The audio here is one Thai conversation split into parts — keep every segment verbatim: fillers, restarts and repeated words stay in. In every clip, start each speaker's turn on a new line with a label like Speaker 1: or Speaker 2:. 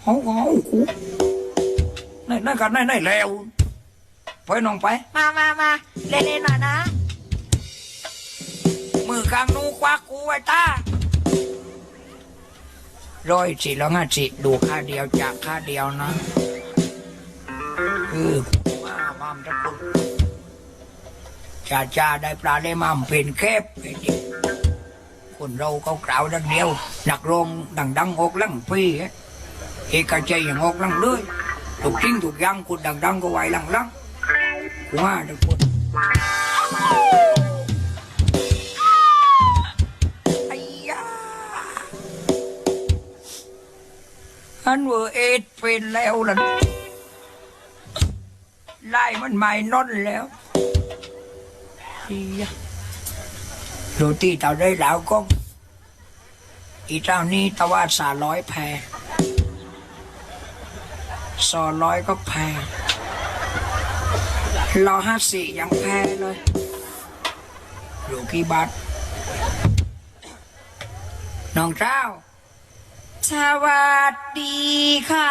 Speaker 1: เขาเขากูในในกันในในแล้วไปน้องไปมามามาเล่นๆหน่อยนะมือกลางนูควักกูไว้ตาร้อยสิแล้วงั้นสิดูค่าเดียวจากค่าเดียวนะคือมามามทุกคนจ่าจ่าได้ปลาได้มามเป็นแคบไอ้เด็กคนเราเขากล่าวดังเดียวหนักลงดังดังอกลังปีเอกใจอย่างอกลังเลยถูกจริงถูกยังคนดังดังก็ไหวลังลังว่าทุกคนไอ้ยาอันเวอร์เอ็ดเป็นแล้วล่ะไล่มันไม่นอนแล้วโรตีเต่าได้แล้วก็อีเจ้านี้ตะว่าสาร้อยแพรสอร้อยก็แพรรอห้าสี่ยังแพรเลยอยู่กี่บาทน้องเจ้าสวัสดีค่ะ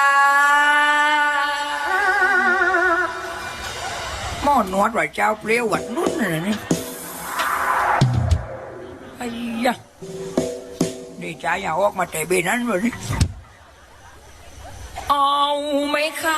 Speaker 1: หม้อนวดว่าเจ้าเปรี้ยวหวัดนุ่นอะไรนี่ไอ้ยะดีใจอย่าออกมาแต่เบนั้นเลยนี่เอาไหมคะ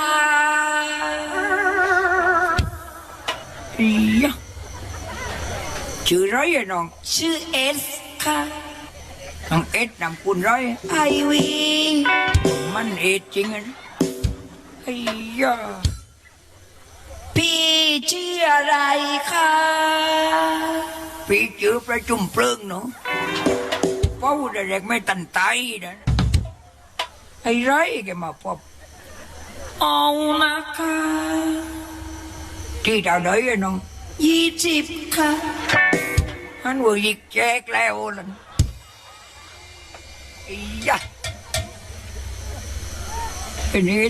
Speaker 1: ไอ้ยะชื่อไรอะน้องชื่อเอสค่ะน้องเอสนำคุณไรไอวีมันเอสจริงอ่ะไอ้ยะพี่ชื่ออะไรคะพี่ชื่อประจุมเพลิงเนาะเป้าเด็กไม่ตันไตนะไอ้ไรแกมาพบเอานะคะที่ดาวไหนอะน้องยี่สิบค่ะฮันวัวยิกแจกแล้วล่ะไอ้ยะไอ้นี่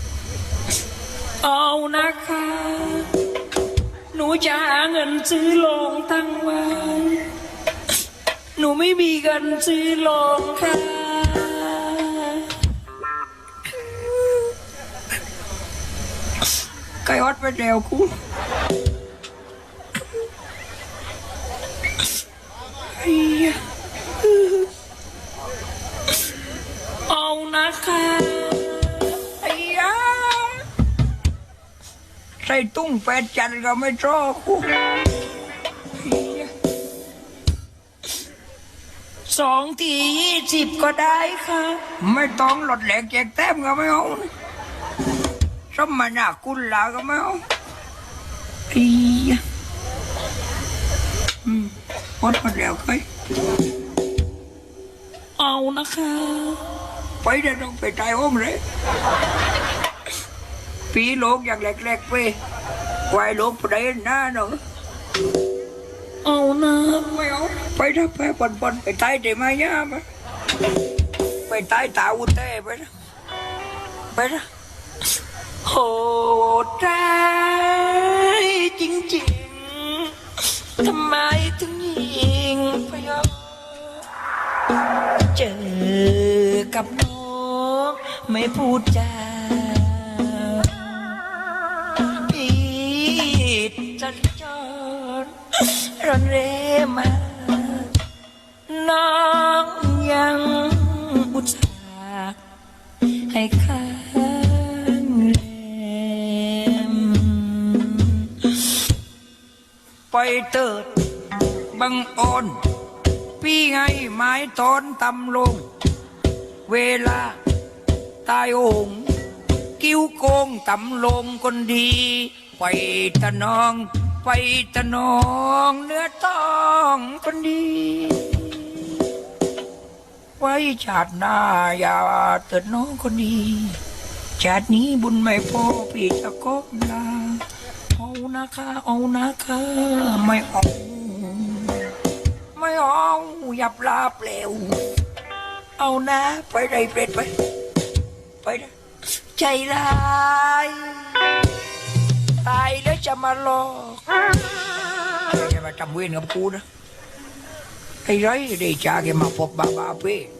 Speaker 1: เอานะคะหนูจะหาเงินซื้อโรงตั้งไว้หนูไม่มีเงินซื้อโรงค่ะไก่อดไปแล้วกูเอานะคะใส่ตุ้งแปดจันก็ไม่ชอบกูสองทียี่สิบก็ได้ค่ะไม่ต้องหลดแหลกแจกแต้มก็ไม่เอาสมนาคุณลาก็ไม่เอาอีอืมพอดมาแล้วใครเอานะคะไปเดี๋ยวต้องไปตายห้องเลยปีโลกอย่างแรกๆไปควายโลกไปได้หน้าเนาะเอานะไม่เอาไปถ้าไปปนปนไปตายได้ไหมย่ามาไปตายตาอุเต้ไปนะไปนะโหดร้ายจริงๆทำไมถึงยิงไปเจอกับน้องไม่พูดจาจันจรรันเรมาน้องยังอุตส่าห์ให้ข้างแรมไปเติดบังอ่อนพี่ไงไม้ตอนตำลงเวลาตายโองกิ้วโกงตำลงคนดีไปตะนองไปตะนองเนื้อต้องคนดีไว้ชาติหน้าอย่าเติดน้องคนดีชาตินี้บุญไม่พอพี่จะก้มลาเอานะคะเอานะคะไม่เอาไม่เอาหยับลาเปล่าเอานะไปได้เปรตไปไปนะใจร้ายตายแล้วจะมาหลอกจะมาทำเวรกับกูนะไอ้ไรเดชาแกมาพบบาบาเป้